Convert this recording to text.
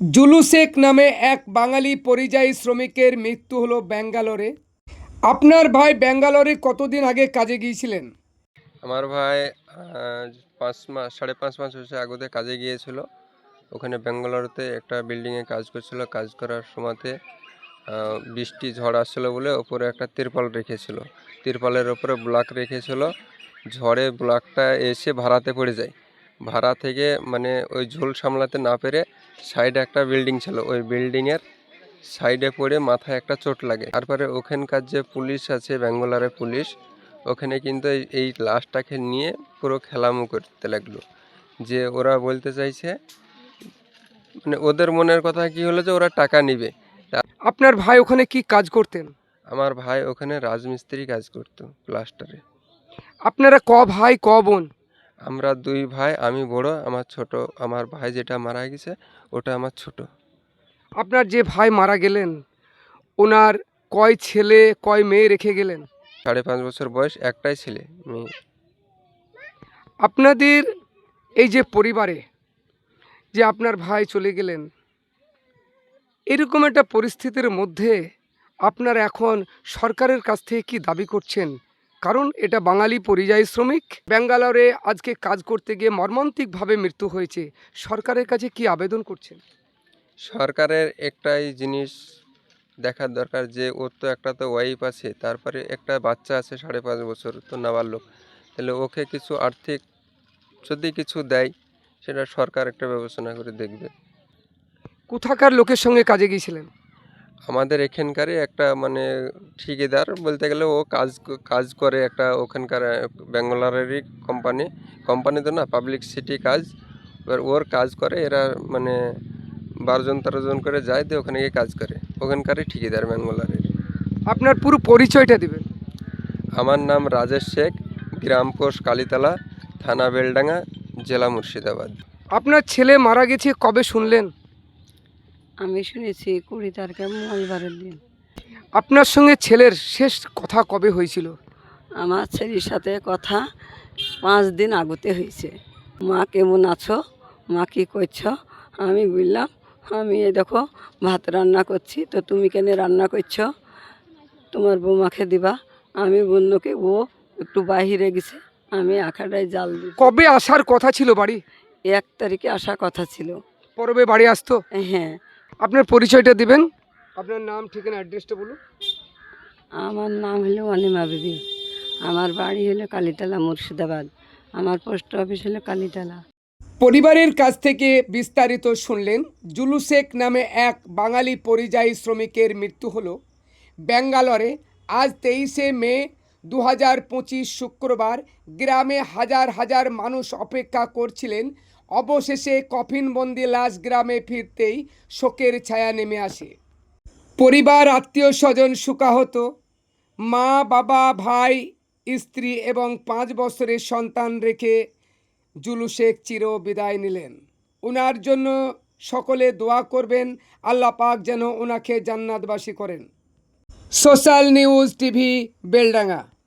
Zulu Sheikh নামে এক বাঙালি পরিযায়ী শ্রমিকের মৃত্যু হলো ব্যাঙ্গালোরে। আপনার ভাই ব্যাঙ্গালোরে কতদিন আগে কাজে গিয়েছিলেন? আমার ভাই 5 মাস 5.5 মাস হচ্ছে আগে কাজে গিয়েছিল। ওখানে ব্যাঙ্গালোরতে একটা বিল্ডিংয়ে কাজ করছিল। কাজ করার সময়তে বৃষ্টি ঝড় আসছিল বলে ওপরে একটা তিরপল রেখেছিল। তিরপলের ওপরে ব্লক রেখেছিল। ঝড়ে ব্লকটা এসে ভাড়াতে পড়ে যায়। ভাড়া থেকে মানে ওই ঝোল সামলাতে না পেরে সাইডে একটা বিল্ডিং ছিল, ওই বিল্ডিংয়ের সাইডে পড়ে মাথায় একটা চোট লাগে। তারপরে ওখানকার যে পুলিশ আছে, ব্যাঙ্গালোরের পুলিশ, ওখানে কিন্তু এই লাশটাকে নিয়ে পুরো খেলামু করতে লাগলো। যে ওরা বলতে চাইছে, মানে ওদের মনের কথা কি হলো যে ওরা টাকা নিবে। আপনার ভাই ওখানে কি কাজ করতেন? আমার ভাই ওখানে রাজমিস্ত্রি কাজ করতো, প্লাস্টারে। আপনারা ক ভাই ক বোন? আমরা 2 ভাই, আমি বড়, আমার ছোট। আমার ভাই যেটা মারা গেছে ওটা আমার ছোট। আপনার যে ভাই মারা গেলেন, ওনার কয় ছেলে কয় মেয়ে রেখে গেলেন? 5.5 বছর বয়স, একটাই ছেলে, মেয়ে। আপনাদের এই যে পরিবারে যে আপনার ভাই চলে গেলেন, এরকম একটা পরিস্থিতির মধ্যে আপনারা এখন সরকারের কাছ থেকে কি দাবি করছেন? কারণ এটা বাঙালি পরিযায়ী শ্রমিক, ব্যাঙ্গালোরে আজকে কাজ করতে গিয়ে মর্মান্তিকভাবে মৃত্যু হয়েছে। সরকারের কাছে কি আবেদন করছেন? সরকারের একটাই জিনিস দেখার দরকার যে ওর তো একটা তো ওয়াইফ আছে, তারপরে একটা বাচ্চা আছে 5.5 বছর, তো নাবালক। তাহলে ওকে কিছু আর্থিক যদি কিছু দেয়, সেটা সরকার একটা ব্যবস্থা করে দেখবে। কোথাকার লোকের সঙ্গে কাজে গিয়েছিলেন? আমাদের এখানকারই একটা মানে ঠিকাদার বলতে গেলে, ও কাজ করে একটা ওখানকার ব্যাঙ্গালোরেরই কোম্পানি তো না, পাবলিক সিটি কাজ। এবার ওর কাজ করে এরা, মানে 12 জন 13 জন করে যায়, দিয়ে ওখানে গিয়ে কাজ করে, ওখানকারই ঠিকাদার ব্যাঙ্গালোরের। আপনার পুরো পরিচয়টা দিবেন। আমার নাম রাজেশ শেখ, গ্রাম পোস্ট কালীতলা, থানা বেলডাঙ্গা, জেলা মুর্শিদাবাদ। আপনার ছেলে মারা গেছে কবে শুনলেন? আমি শুনেছি 20 তারিখে, মঙ্গলবারের দিন। আপনার সঙ্গে ছেলের শেষ কথা কবে হয়েছিল? আমার ছেলের সাথে কথা 5 দিন আগতে হয়েছে। মা কেমন আছো, মা কী করছো? আমি বললাম, আমি এই দেখো ভাত রান্না করছি, তো তুমি কেন রান্না করছো? তোমার বৌমাকে দিবা। আমি বললো কি, ও একটু বাহিরে গেছে, আমি আখাটায় জাল দিই। কবে আসার কথা ছিল বাড়ি? 1 তারিখে আসার কথা ছিল। পরবে বাড়ি আসতো? হ্যাঁ। আপনার পরিচয়টা দিবেন, আপনার নাম ঠিকানা অ্যাড্রেসটা বলুন। আমার নাম হলো অনিমা বিবি। আমার বাড়ি হলো কালীতলা, মুর্শিদাবাদ। আমার পোস্ট অফিস হলো কালীতলা। পরিবারের কাছ থেকে বিস্তারিত শুনলেন। জুলু শেখ নামে এক বাঙালি পরিযায়ী শ্রমিকের মৃত্যু হলো ব্যাঙ্গালোরে আজ 23শে মে 2025 শুক্রবার। গ্রামে হাজার হাজার মানুষ অপেক্ষা করছিলেন। অবশেষে কফিনবন্দি লাশ গ্রামে ফিরতেই শোকের ছায়া নেমে আসে। পরিবার, আত্মীয় স্বজন শোকাহত। মা, বাবা, ভাই, স্ত্রী এবং 5 বছরের সন্তান রেখে জুলু শেখ চির বিদায় নিলেন। ওনার জন্য সকলে দোয়া করবেন, আল্লাহ পাক যেন ওনাকে জান্নাতবাসী করেন। Social news TV, Beldanga.